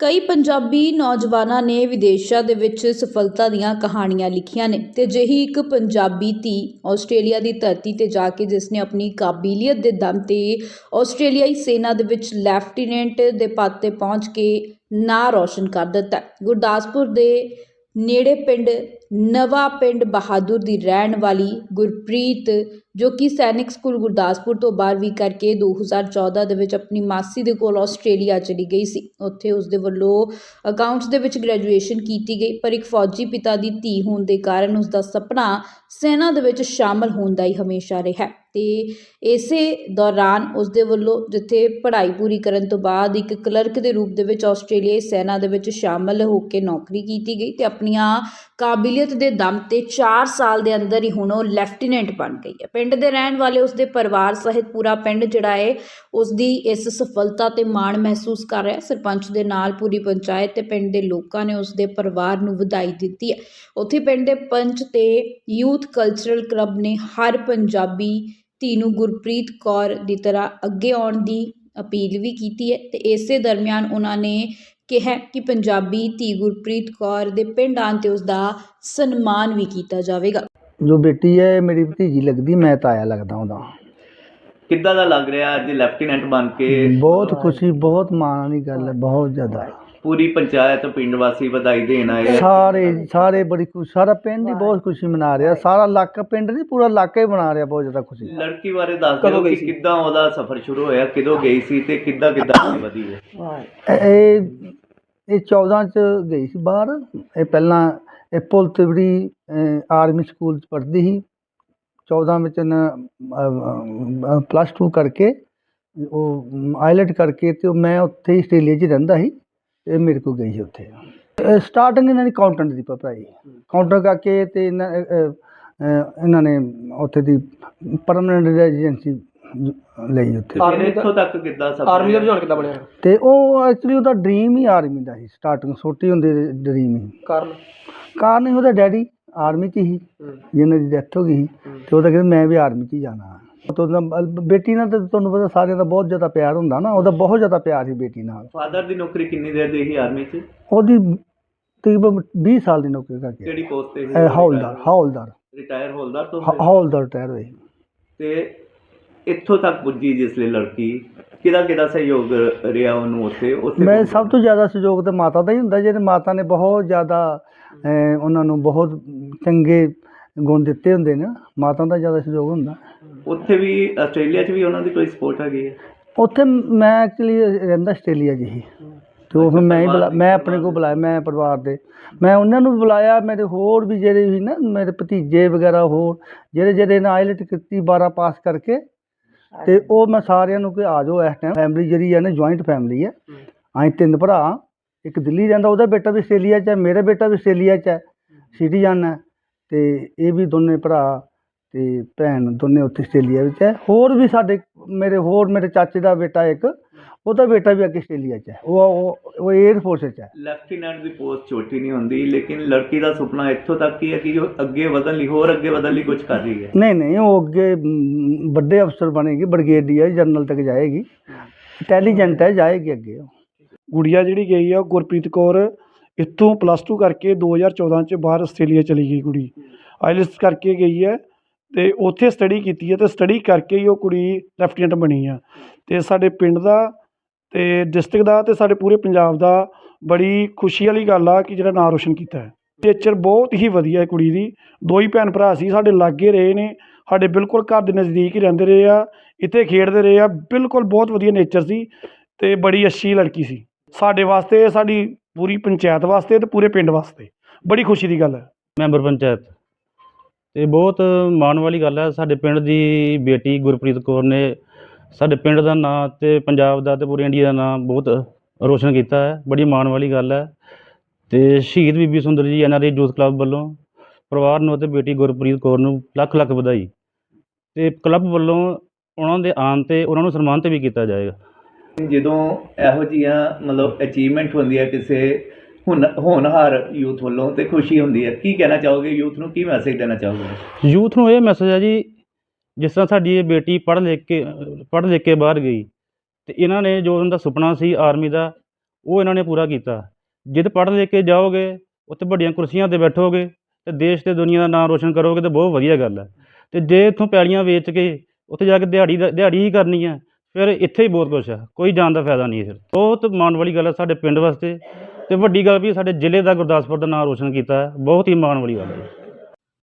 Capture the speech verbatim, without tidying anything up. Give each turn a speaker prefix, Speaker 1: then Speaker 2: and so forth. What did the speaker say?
Speaker 1: ਕਈ ਪੰਜਾਬੀ ਨੌਜਵਾਨਾਂ ਨੇ ਵਿਦੇਸ਼ਾਂ ਦੇ ਵਿੱਚ ਸਫਲਤਾ ਦੀਆਂ ਕਹਾਣੀਆਂ ਲਿਖੀਆਂ ਨੇ ਤੇ ਅਜਿਹੀ ਇੱਕ ਪੰਜਾਬੀ ਧੀ ਆਸਟ੍ਰੇਲੀਆ ਦੀ ਧਰਤੀ ਤੇ ਜਾ ਕੇ ਜਿਸ ਨੇ ਆਪਣੀ ਕਾਬਲੀਅਤ ਦੇ ਦਮ ਤੇ ਆਸਟ੍ਰੇਲੀਆਈ ਸੈਨਾ ਦੇ ਵਿੱਚ ਲੈਫਟੀਨੈਂਟ ਦੇ ਪਦ ਤੇ ਪਹੁੰਚ ਕੇ ਨਾਂ ਰੌਸ਼ਨ ਕਰ ਦਿੱਤਾ। ਗੁਰਦਾਸਪੁਰ ਦੇ ਨੇੜੇ ਪਿੰਡ ਨਵਾਂ ਪਿੰਡ ਬਹਾਦੁਰ ਦੀ ਰਹਿਣ ਵਾਲੀ ਗੁਰਪ੍ਰੀਤ ਜੋ ਕਿ ਸੈਨਿਕ ਸਕੂਲ ਗੁਰਦਾਸਪੁਰ ਤੋਂ ਬਾਰ੍ਹਵੀਂ ਕਰਕੇ ਦੋ ਹਜ਼ਾਰ ਚੌਦਾਂ ਦੇ ਵਿੱਚ ਆਪਣੀ ਮਾਸੀ ਦੇ ਕੋਲ ਆਸਟ੍ਰੇਲੀਆ ਚਲੀ ਗਈ ਸੀ। ਉੱਥੇ ਉਸ ਦੇ ਵੱਲੋਂ ਅਕਾਊਂਟਸ ਦੇ ਵਿੱਚ ਗ੍ਰੈਜੂਏਸ਼ਨ ਕੀਤੀ ਗਈ, ਪਰ ਇੱਕ ਫੌਜੀ ਪਿਤਾ ਦੀ ਧੀ ਹੋਣ ਦੇ ਕਾਰਨ ਉਸ ਦਾ ਸੁਪਨਾ ਸੈਨਾ ਦੇ ਵਿੱਚ ਸ਼ਾਮਲ ਹੋਣ ਦਾ ਹੀ ਹਮੇਸ਼ਾ ਰਿਹਾ ਤੇ ਇਸੇ ਦੌਰਾਨ ਉਸ ਦੇ ਵੱਲੋਂ ਜਿੱਥੇ ਪੜ੍ਹਾਈ ਪੂਰੀ ਕਰਨ ਤੋਂ ਬਾਅਦ ਇੱਕ ਕਲਰਕ ਦੇ ਰੂਪ ਦੇ ਵਿੱਚ ਆਸਟ੍ਰੇਲੀਆਈ ਸੈਨਾ ਦੇ ਵਿੱਚ ਸ਼ਾਮਲ ਹੋ ਕੇ ਨੌਕਰੀ ਕੀਤੀ ਗਈ ਤੇ ਆਪਣੀਆਂ ਕਾਬਲੀਅਤ ਦੇ ਦਮ ਤੇ ਚਾਰ ਸਾਲ ਦੇ ਅੰਦਰ ਹੀ ਹੁਣ ਉਹ ਲੈਫਟੀਨੈਂਟ ਬਣ ਗਈ ਹੈ। ਪਿੰਡ ਦੇ ਰਹਿਣ ਵਾਲੇ ਉਸ ਦੇ ਪਰਿਵਾਰ ਸਹਿਤ ਪੂਰਾ ਪਿੰਡ ਜਿਹੜਾ ਹੈ ਉਸ ਦੀ ਇਸ ਸਫਲਤਾ ਤੇ ਮਾਣ ਮਹਿਸੂਸ ਕਰ ਰਿਹਾ। ਸਰਪੰਚ ਦੇ ਨਾਲ ਪੂਰੀ ਪੰਚਾਇਤ ਤੇ ਪਿੰਡ ਦੇ ਲੋਕਾਂ ਨੇ ਉਸ ਦੇ ਪਰਿਵਾਰ ਨੂੰ ਵਧਾਈ ਦਿੱਤੀ ਹੈ। ਉੱਥੇ ਪਿੰਡ ਦੇ ਪੰਚ ਤੇ ਯੂਥ ਕਲਚਰਲ ਕਲੱਬ ਨੇ ਹਰ ਪੰਜਾਬੀ ਧੀ ਨੂੰ ਗੁਰਪ੍ਰੀਤ ਕੌਰ ਦੀ ਤਰ੍ਹਾਂ ਅੱਗੇ ਆਉਣ ਦੀ ਅਪੀਲ ਵੀ ਕੀਤੀ ਹੈ ਤੇ ਇਸੇ ਦਰਮਿਆਨ ਉਹਨਾਂ ਨੇ ਕਿਹਾ ਕਿ ਪੰਜਾਬੀ ਧੀ ਗੁਰਪ੍ਰੀਤ ਕੌਰ ਦੇ ਪਿੰਡ ਆਉਣ ਤੇ ਉਸ ਦਾ ਸਨਮਾਨ ਵੀ ਕੀਤਾ ਜਾਵੇਗਾ।
Speaker 2: ਜੋ ਬੇਟੀ ਹੈ ਮੇਰੀ ਭਤੀਜੀ ਲੱਗਦੀ, ਮੈਂ ਤਾਇਆ ਲੱਗਦਾ ਉਹਦਾ।
Speaker 3: ਕਿੱਦਾਂ ਦਾ ਲੱਗ ਰਿਹਾ ਅੱਜ ਲੈਫਟੀਨੈਂਟ ਬਣ ਕੇ?
Speaker 2: ਬਹੁਤ ਖੁਸ਼ੀ, ਬਹੁਤ ਮਾਣ ਵਾਲੀ ਗੱਲ ਹੈ, ਬਹੁਤ ਜ਼ਿਆਦਾ।
Speaker 3: ਪੂਰੀ ਪੰਚਾਇਤ ਪਿੰਡ ਵਾਸੀ ਵਧਾਈ ਦੇਣ ਆਏ,
Speaker 2: ਸਾਰੇ ਸਾਰੇ ਬੜੀ ਖੁਸ਼, ਸਾਰਾ ਪਿੰਡ ਹੀ ਬਹੁਤ ਖੁਸ਼ੀ ਮਨਾ ਰਿਹਾ, ਸਾਰਾ ਇਲਾਕਾ, ਪਿੰਡ ਨਹੀਂ ਪੂਰਾ ਇਲਾਕਾ ਹੀ ਮਨਾ ਰਿਹਾ, ਬਹੁਤ ਜ਼ਿਆਦਾ ਖੁਸ਼ੀ।
Speaker 3: ਲੜਕੀ ਬਾਰੇ ਦੱਸ ਦਿਓ ਕਿ ਕਿੱਦਾਂ ਉਹਦਾ ਸਫ਼ਰ ਸ਼ੁਰੂ ਹੋਇਆ, ਕਿਦੋਂ ਗਈ ਸੀ ਤੇ ਕਿੱਦਾਂ ਕਿੱਦਾਂ ਵਧੀ ਹੈ?
Speaker 2: ਇਹ ਇਹ ਚੌਦਾਂ 'ਚ ਗਈ ਸੀ ਬਾਹਰ। ਇਹ ਪਹਿਲਾਂ ਇਹ ਪੁਲ ਤਿਵੜੀ ਆਰਮੀ ਸਕੂਲ 'ਚ ਪੜ੍ਹਦੀ ਸੀ। ਚੌਦਾਂ ਵਿੱਚ ਨਾ ਪਲੱਸ ਟੂ ਕਰਕੇ ਉਹ ਆਈਲੈਟ ਕਰਕੇ ਤੇ ਉਹ ਮੈਂ ਉੱਥੇ ਹੀ ਆਸਟ੍ਰੇਲੀਆ 'ਚ ਹੀ ਰਹਿੰਦਾ ਸੀ। ਇਹ ਮੇਰੇ ਕੋਲ ਗਈ ਸੀ ਉੱਥੇ। ਸਟਾਰਟਿੰਗ ਇਹਨਾਂ ਦੀ ਅਕਾਊਂਟੈਂਟ ਦੀ ਪੜ੍ਹਾਈ, ਕਾਊਂਟਰ ਕਰਕੇ ਤੇ ਇਹਨਾਂ ਇਹਨਾਂ ਨੇ ਉੱਥੇ ਦੀ ਪਰਮਾਨੈਂਟ ਰੈਜ਼ੀਡੈਂਸੀ ਲਈ ਉੱਥੇ।
Speaker 3: ਆਰਮੀ ਇੱਥੋਂ ਤੱਕ ਕਿੱਦਾਂ ਸਫ਼ਰ, ਆਰਮੀ ਦਾ ਰੁਝਾਨ ਕਿੱਦਾਂ ਬਣਿਆ?
Speaker 2: ਤੇ ਉਹ ਐਕਚੁਅਲੀ ਉਹਦਾ ਡਰੀਮ ਹੀ ਆਰਮੀ ਦਾ ਸੀ, ਸਟਾਰਟਿੰਗ ਛੋਟੀ ਹੁੰਦੀ ਡਰੀਮ ਹੀ। ਕਾਰਨ ਕਾਰਨ ਹੀ ਉਹਦਾ ਡੈਡੀ ਆਰਮੀ 'ਚ ਹੀ, ਜਿਹਨਾਂ ਦੀ ਡੈਥ ਹੋ ਗਈ ਸੀ ਤੇ ਉਹਦਾ ਕਹਿੰਦਾ ਮੈਂ ਵੀ ਆਰਮੀ 'ਚ ਹੀ ਜਾਣਾ। ਬੇਟੀ ਨਾਲ ਤਾਂ ਤੁਹਾਨੂੰ ਪਤਾ ਸਾਰਿਆਂ ਦਾ ਬਹੁਤ ਜ਼ਿਆਦਾ ਪਿਆਰ ਹੁੰਦਾ ਨਾ, ਉਹਦਾ ਬਹੁਤ ਜ਼ਿਆਦਾ ਪਿਆਰ ਸੀ ਬੇਟੀ ਨਾਲ।
Speaker 3: ਫਾਦਰ ਦੀ ਨੌਕਰੀ ਕਿੰਨੀ ਦੇਰ ਦੀ ਸੀ ਆਰਮੀ 'ਚ?
Speaker 2: ਉਹਦੀ ਤਕਰੀਬਨ ਵੀਹ ਸਾਲ ਦੀ ਨੌਕਰੀ ਕਰਕੇ।
Speaker 3: ਕਿਹੜੀ ਪੋਸਟ ਤੇ?
Speaker 2: ਹੌਲਦਾਰ। ਹੌਲਦਾਰ
Speaker 3: ਰਿਟਾਇਰ ਹੌਲਦਾਰ ਤੋਂ?
Speaker 2: ਹੌਲਦਾਰ ਰਿਟਾਇਰ ਹੋਏ।
Speaker 3: ਤੇ ਇੱਥੋਂ ਤੱਕ ਪੁੱਜੀ ਜਿਸ ਲਈ ਲੜਕੀ, ਕਿਹਦਾ ਕਿਹਦਾ ਸਹਿਯੋਗ ਰਿਹਾ ਉਹਨੂੰ ਉੱਥੇ? ਉੱਥੇ
Speaker 2: ਮੈਂ ਸਭ ਤੋਂ ਜ਼ਿਆਦਾ ਸਹਿਯੋਗ ਤਾਂ ਮਾਤਾ ਦਾ ਹੀ ਹੁੰਦਾ, ਜਿਹਦੇ ਮਾਤਾ ਨੇ ਬਹੁਤ ਜ਼ਿਆਦਾ ਉਹਨਾਂ ਨੂੰ ਬਹੁਤ ਚੰਗੇ ਗੁਣ ਦਿੱਤੇ ਹੁੰਦੇ ਨੇ, ਮਾਤਾ ਦਾ ਜ਼ਿਆਦਾ ਸਹਿਯੋਗ ਹੁੰਦਾ।
Speaker 3: ਉੱਥੇ ਵੀ ਆਸਟ੍ਰੇਲੀਆ 'ਚ ਵੀ ਉਹਨਾਂ ਦੀ ਕੋਈ ਸਪੋਰਟ ਹੈਗੀ ਹੈ?
Speaker 2: ਉੱਥੇ ਮੈਂ ਐਕਚੁਅਲੀ ਰਹਿੰਦਾ ਆਸਟ੍ਰੇਲੀਆ 'ਚ ਹੀ, ਅਤੇ ਉਹ ਫਿਰ ਮੈਂ ਹੀ ਬੁਲਾ ਮੈਂ ਆਪਣੇ ਕੋਲ ਬੁਲਾਇਆ, ਮੈਂ ਪਰਿਵਾਰ ਦੇ ਮੈਂ ਉਹਨਾਂ ਨੂੰ ਬੁਲਾਇਆ। ਮੇਰੇ ਹੋਰ ਵੀ ਜਿਹੜੇ ਵੀ ਨਾ ਮੇਰੇ ਭਤੀਜੇ ਵਗੈਰਾ ਹੋਰ ਜਿਹੜੇ ਜਿਹੜੇ ਨੇ ਆਈਲੈਟ ਕੀਤੀ ਬਾਰਾਂ ਪਾਸ ਕਰਕੇ, ਅਤੇ ਉਹ ਮੈਂ ਸਾਰਿਆਂ ਨੂੰ ਕਿ ਆ ਜਾਓ ਇਸ ਟਾਈਮ। ਫੈਮਿਲੀ ਜਿਹੜੀ ਹੈ ਨਾ ਜੁਆਇੰਟ ਫੈਮਿਲੀ ਹੈ। ਅਸੀਂ ਤਿੰਨ ਭਰਾ, ਇੱਕ ਦਿੱਲੀ ਰਹਿੰਦਾ, ਉਹਦਾ ਬੇਟਾ ਵੀ ਆਸਟ੍ਰੇਲੀਆ 'ਚ ਹੈ, ਮੇਰਾ ਬੇਟਾ ਵੀ ਆਸਟ੍ਰੇਲੀਆ 'ਚ ਹੈ, ਸਿਟੀਜ਼ਨ ਹੈ, ਅਤੇ ਇਹ ਵੀ ਦੋਨੇ ਭਰਾ ਅਤੇ ਭੈਣ ਦੋਨੇ ਉੱਥੇ ਆਸਟ੍ਰੇਲੀਆ ਵਿੱਚ ਹੈ। ਹੋਰ ਵੀ ਸਾਡੇ ਮੇਰੇ ਹੋਰ ਮੇਰੇ ਚਾਚੇ ਦਾ ਬੇਟਾ ਇੱਕ, ਉਹਦਾ ਬੇਟਾ ਵੀ ਅੱਗੇ ਆਸਟ੍ਰੇਲੀਆ 'ਚ ਹੈ, ਉਹ ਉਹ ਏਅਰ ਫੋਰਸ 'ਚ ਹੈ। ਲੈਫਟੀਨੈਂਟ
Speaker 3: ਦੀ ਪੋਸਟ ਛੋਟੀ ਨਹੀਂ ਹੁੰਦੀ, ਲੇਕਿਨ ਲੜਕੀ ਦਾ ਸੁਪਨਾ ਇੱਥੋਂ ਤੱਕ ਹੀ ਹੈ ਕਿ ਉਹ ਅੱਗੇ ਵਧਣ ਲਈ, ਹੋਰ ਅੱਗੇ ਵਧਣ ਲਈ ਕੁਝ ਕਰ ਰਹੀ ਹੈ।
Speaker 2: ਨਹੀਂ ਨਹੀਂ ਉਹ ਅੱਗੇ ਵੱਡੇ ਅਫਸਰ ਬਣੇਗੀ, ਬ੍ਰਿਗੇਡੀਅਰ ਜਨਰਲ ਤੱਕ ਜਾਏਗੀ, ਇੰਟੈਲੀਜੈਂਟ ਹੈ, ਜਾਏਗੀ ਅੱਗੇ।
Speaker 4: ਗੁੜੀਆ ਜਿਹੜੀ ਗਈ ਆ ਗੁਰਪ੍ਰੀਤ ਕੌਰ, ਇੱਥੋਂ ਪਲੱਸ ਟੂ ਕਰਕੇ ਦੋ ਹਜ਼ਾਰ ਚੌਦਾਂ 'ਚ ਬਾਹਰ ਆਸਟ੍ਰੇਲੀਆ ਚਲੀ ਗਈ ਕੁੜੀ। ਆਈਲੈਟਸ ਕਰਕੇ ਗਈ ਹੈ ਅਤੇ ਉੱਥੇ ਸਟੱਡੀ ਕੀਤੀ ਹੈ ਅਤੇ ਸਟੱਡੀ ਕਰਕੇ ਹੀ ਉਹ ਕੁੜੀ ਲੈਫਟੀਨੈਂਟ ਬਣੀ ਆ। ਅਤੇ ਸਾਡੇ ਪਿੰਡ ਦਾ ਅਤੇ ਡਿਸਟ੍ਰਿਕਟ ਦਾ ਅਤੇ ਸਾਡੇ ਪੂਰੇ ਪੰਜਾਬ ਦਾ ਬੜੀ ਖੁਸ਼ੀ ਵਾਲੀ ਗੱਲ ਆ ਕਿ ਜਿਹੜਾ ਨਾਂ ਰੋਸ਼ਨ ਕੀਤਾ ਹੈ। ਨੇਚਰ ਬਹੁਤ ਹੀ ਵਧੀਆ ਹੈ ਕੁੜੀ ਦੀ। ਦੋ ਹੀ ਭੈਣ ਭਰਾ ਸੀ, ਸਾਡੇ ਲਾਗੇ ਰਹੇ ਨੇ, ਸਾਡੇ ਬਿਲਕੁਲ ਘਰ ਦੇ ਨਜ਼ਦੀਕ ਹੀ ਰਹਿੰਦੇ ਰਹੇ ਆ, ਇੱਥੇ ਖੇਡਦੇ ਰਹੇ ਆ, ਬਿਲਕੁਲ ਬਹੁਤ ਵਧੀਆ ਨੇਚਰ ਸੀ ਅਤੇ ਬੜੀ ਅੱਛੀ ਲੜਕੀ ਸੀ। ਸਾਡੇ ਵਾਸਤੇ, ਸਾਡੀ ਪੂਰੀ ਪੰਚਾਇਤ ਵਾਸਤੇ ਅਤੇ ਪੂਰੇ ਪਿੰਡ ਵਾਸਤੇ ਬੜੀ ਖੁਸ਼ੀ ਦੀ ਗੱਲ ਹੈ।
Speaker 5: ਮੈਂਬਰ ਪੰਚਾਇਤ ਅਤੇ ਬਹੁਤ ਮਾਣ ਵਾਲੀ ਗੱਲ ਹੈ। ਸਾਡੇ ਪਿੰਡ ਦੀ ਬੇਟੀ ਗੁਰਪ੍ਰੀਤ ਕੌਰ ਨੇ ਸਾਡੇ ਪਿੰਡ ਦਾ ਨਾਂ ਅਤੇ ਪੰਜਾਬ ਦਾ ਅਤੇ ਪੂਰੇ ਇੰਡੀਆ ਦਾ ਨਾਂ ਬਹੁਤ ਰੋਸ਼ਨ ਕੀਤਾ ਹੈ। ਬੜੀ ਮਾਣ ਵਾਲੀ ਗੱਲ ਹੈ। ਅਤੇ ਸ਼ਹੀਦ Bibi Sundar ji N R I youth club ਵੱਲੋਂ ਪਰਿਵਾਰ ਨੂੰ ਅਤੇ ਬੇਟੀ ਗੁਰਪ੍ਰੀਤ ਕੌਰ ਨੂੰ ਲੱਖ ਲੱਖ ਵਧਾਈ, ਅਤੇ ਕਲੱਬ ਵੱਲੋਂ ਉਹਨਾਂ ਦੇ ਆਉਣ 'ਤੇ ਉਹਨਾਂ ਨੂੰ ਸਨਮਾਨ 'ਤੇ ਵੀ ਕੀਤਾ ਜਾਏਗਾ।
Speaker 3: ਜਦੋਂ ਇਹੋ ਜਿਹੀਆਂ ਮਤਲਬ ਅਚੀਵਮੈਂਟ ਹੁੰਦੀ ਹੈ ਕਿਸੇ ਹੁਣ ਹੋਣਹਾਰ ਯੂਥ ਵੱਲੋਂ, ਅਤੇ ਖੁਸ਼ੀ ਹੁੰਦੀ ਹੈ, ਕੀ ਕਹਿਣਾ ਚਾਹੋਗੇ ਯੂਥ ਨੂੰ, ਕੀ ਮੈਸੇਜ ਦੇਣਾ ਚਾਹੋਗੇ?
Speaker 5: ਯੂਥ ਨੂੰ ਇਹ ਮੈਸੇਜ ਹੈ ਜੀ, ਜਿਸ ਤਰ੍ਹਾਂ ਸਾਡੀ ਇਹ ਬੇਟੀ ਪੜ੍ਹ ਲਿਖ ਕੇ ਪੜ੍ਹ ਲਿਖ ਕੇ ਬਾਹਰ ਗਈ, ਅਤੇ ਇਹਨਾਂ ਨੇ ਜੋ ਉਹਨਾਂ ਦਾ ਸੁਪਨਾ ਸੀ ਆਰਮੀ ਦਾ, ਉਹ ਇਹਨਾਂ ਨੇ ਪੂਰਾ ਕੀਤਾ। ਜਿੱਦ ਪੜ੍ਹ ਲਿਖ ਕੇ ਜਾਓਗੇ, ਉੱਥੇ ਵੱਡੀਆਂ ਕੁਰਸੀਆਂ 'ਤੇ ਬੈਠੋਗੇ ਅਤੇ ਦੇਸ਼ ਅਤੇ ਦੁਨੀਆ ਦਾ ਨਾਂ ਰੋਸ਼ਨ ਕਰੋਗੇ ਤਾਂ ਬਹੁਤ ਵਧੀਆ ਗੱਲ ਹੈ। ਅਤੇ ਜੇ ਇੱਥੋਂ ਪੈਲੀਆਂ ਵੇਚ ਕੇ ਉੱਥੇ ਜਾ ਕੇ ਦਿਹਾੜੀ ਦਾ ਦਿਹਾੜੀ ਹੀ ਕਰਨੀ ਹੈ, ਫਿਰ ਇੱਥੇ ਹੀ ਬਹੁਤ ਕੁਛ ਹੈ, ਕੋਈ ਜਾਣ ਦਾ ਫਾਇਦਾ ਨਹੀਂ ਹੈ। ਫਿਰ ਬਹੁਤ ਮਾਣ ਵਾਲੀ ਗੱਲ ਹੈ ਸਾਡੇ ਪਿੰਡ ਵਾਸਤੇ, ਅਤੇ ਵੱਡੀ ਗੱਲ ਵੀ ਸਾਡੇ ਜ਼ਿਲ੍ਹੇ ਦਾ, ਗੁਰਦਾਸਪੁਰ ਦਾ ਨਾਂ ਰੋਸ਼ਨ ਕੀਤਾ ਹੈ। ਬਹੁਤ ਹੀ ਮਾਣ ਵਾਲੀ ਗੱਲ ਹੈ।